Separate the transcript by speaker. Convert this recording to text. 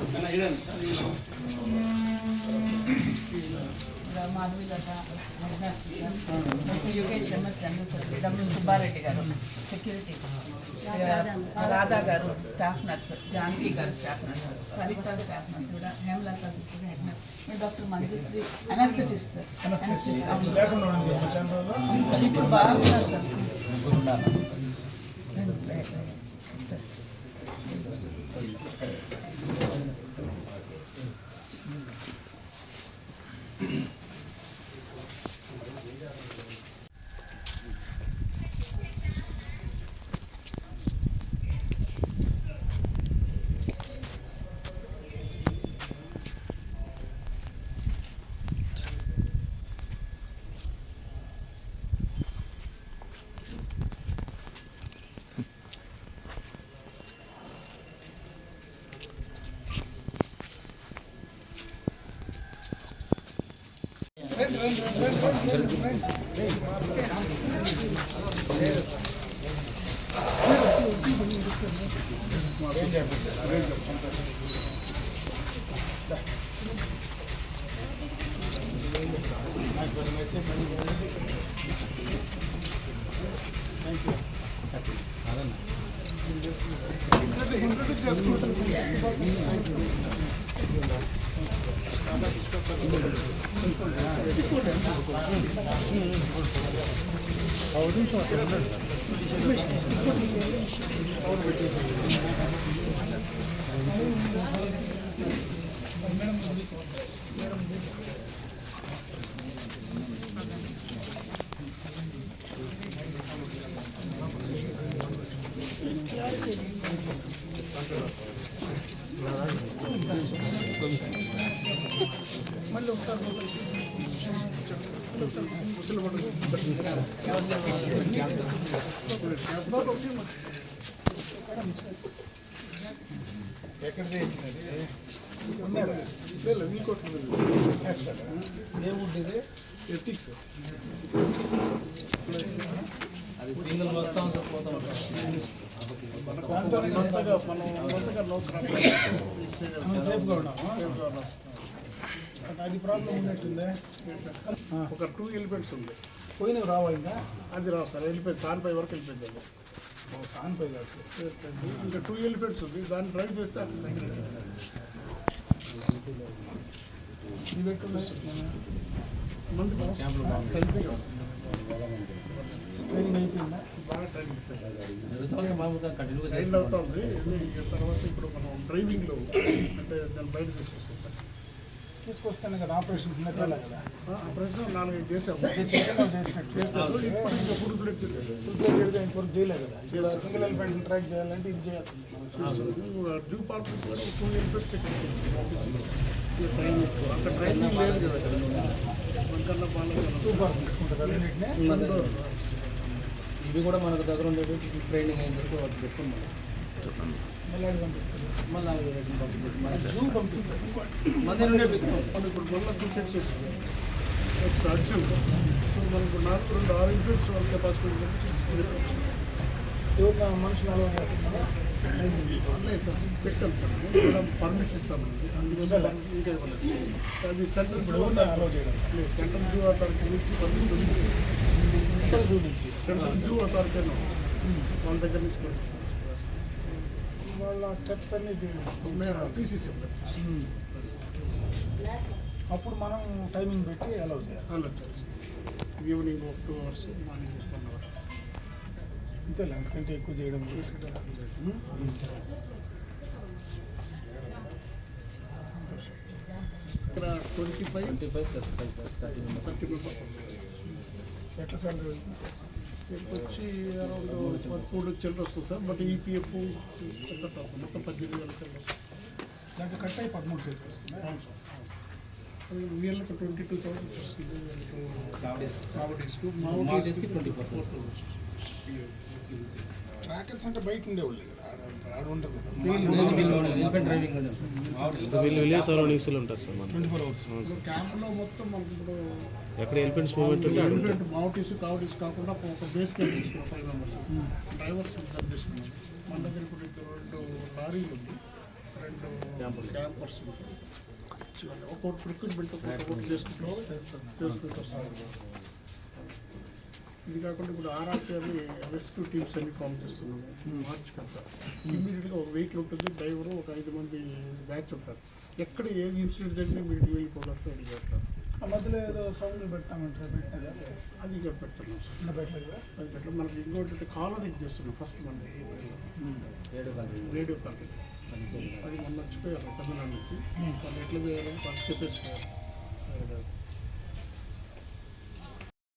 Speaker 1: Madhavi Latha Yogesh MS general secretary, W Subbareddy గారు security, Radha గారు staff nurse, Janaki గారు staff nurse, Saritha staff nurse, Hemalatha head nurse, doctor Manjushree anaesthetist sir. ఇప్పుడు బాగున్నారు sir. మళ్ళీ ఒకసారి ఎక్కడ చేయించినది ఉన్నారా మీకు చేస్తారా? ఏ వుడ్ ఇది? ఎథిక్స్ అది సింగిల్ వస్తా ఉంటుంది, పోతా ఉంటుంది. సేఫ్గా ఉన్నాము. అది ప్రాబ్లం ఉన్నట్టుందే. ఒక 2 ఎలిమెంట్స్ ఉంది, పోయినవి రావా? ఇంకా అది రావు సార్, వెళ్ళిపోయింది. సాన్పై వరకు వెళ్ళిపోయింది. సాన్పై కాదు, ఇంకా 2 ఎలిమెంట్స్ ఉంది, దాన్ని డ్రైవ్ చేస్తే ఇది పెట్టున్నాయి. ట్రైనింగ్ అయిపోయిందా? బాగా ట్రైనింగ్ సార్, ట్రైన్ అవుతుంది. తర్వాత ఇప్పుడు మనం డ్రైవింగ్లో అంటే దాన్ని బయట తీసుకొస్తాం సార్. తీసుకొస్తాను కదా, ఆపరేషన్ కదా. ఆపరేషన్ 4-5 చేసాము, చేశారు. ఇప్పుడు ఇంకా ఫుల్ ప్లేట్ ఇంకొకటి చేయలేదు కదా. ఇలా సింగిల్ ఎలిఫెంట్ ట్రాక్ చేయాలంటే ఇది చేయాలి. డ్యూ పార్క్ కూడా 2 ఎలిఫెంట్స్ అక్కడ ట్రైనింగ్ లేదు కదా. మనకన్నా బాగా ఇవి కూడా మనకు దగ్గర ఉండేది. ట్రైనింగ్ అయిన తర్వాత వాటి పెట్టుకున్నాం. మళ్ళీ పంపిస్తారు, మళ్ళీ పంపిస్తారు. ఇప్పుడు మళ్ళీ 2 సెట్స్ వచ్చింది. అడిషన్ మనకు 4 ఎలిఫెంట్స్ వాళ్ళ కెపాసిటీ మనుషులు అలవాటు చేస్తున్నారా? అన్నయ్య సార్ పెట్టాం సార్, మేడం పర్మిషన్ ఇస్తామండి. అందువల్ల ఇంకా ఇవ్వలేదు. అది సెంట్రల్ అలౌ చేయడం. సెంట్రల్ డ్యూ అథారిటీ నుంచి పర్మిషన్ చూపించి సెంట్రల్ డ్యూ అథారిటీ వాళ్ళ దగ్గర నుంచి పంపిస్తాం. వాళ్ళ స్టెప్స్ అన్నీ తీసేసాం. అప్పుడు మనం టైమింగ్ పెట్టి అలౌ చేయాలి. Evening 2 hours, morning 1 hour. అంతేలే, అంతకంటే ఎక్కువ చేయడం. ఇక్కడ 25 + 5 సార్ 30 మెంబర్స్. ఎట్లా సార్ వచ్చి అరౌండ్ 4 చిల్లర వస్తుంది సార్. బట్ ఈపీఎఫ్ మొత్తం 18,000 చిల్లర. దాంట్లో కట్ అయ్యి 13 చేతికి వస్తుంది. అవును సార్. వీళ్ళకి 22,000 వస్తుంది. మావోడీస్కి 24,000. ట్రాకర్స్ అంటే బయట ఉండేవాళ్ళు కదా, ఆడ ఉంటారు కదా. వీళ్ళు 24 hours క్యాంప్లో మొత్తం మనకి. ఇప్పుడు ఎక్కడ ఎలిఫెంట్స్ మూవ్మెంట్ ఉంటే ఎలిఫెంట్ మావోటీస్ కావటీస్ కాకుండా ఒక బేస్ క్యాంప్ తీసుకున్నాం. 5 members డ్రైవర్స్ తీసుకున్నాం. మన దగ్గర ఇప్పుడు 2 లారీలు ఉంది. 2 క్యాంపర్స్ ఒక్కొక్కటి రిక్రూట్మెంట్ ఒక్కొక్కటి చేసుకుంటూ వస్తున్నారు. ఇది కాకుండా ఇప్పుడు ఆర్ఆర్టీ అని రెస్క్యూ టీమ్స్ అన్ని ఫామ్ చేస్తున్నాము మార్చ్ కంతా. ఇమీడియట్గా ఒక వెహికల్ ఉంటుంది, డ్రైవరు ఒక 5 మంది బ్యాచ్ ఉంటారు. ఎక్కడ ఏది ఇన్సిడెంట్ జరిగినా మీరు వెళ్ళిపోవడానికి రెడీ చేస్తారు.
Speaker 2: ఆ మధ్యలో ఏదో సౌండ్ పెడతామంటారు, పెట్టినదా?
Speaker 1: అది ఇక్కడ పెడుతున్నాం సార్. అది పెట్టడం మనకి ఇంకోటి కాలనీ చేస్తున్నాం ఫస్ట్ మన రేడియో కాలనీ. అది మొన్న వచ్చిపోయారు తమిళనాడు నుంచి. వాళ్ళు ఎట్లా చేయాలని వాళ్ళు చెప్పేసిపోయారు.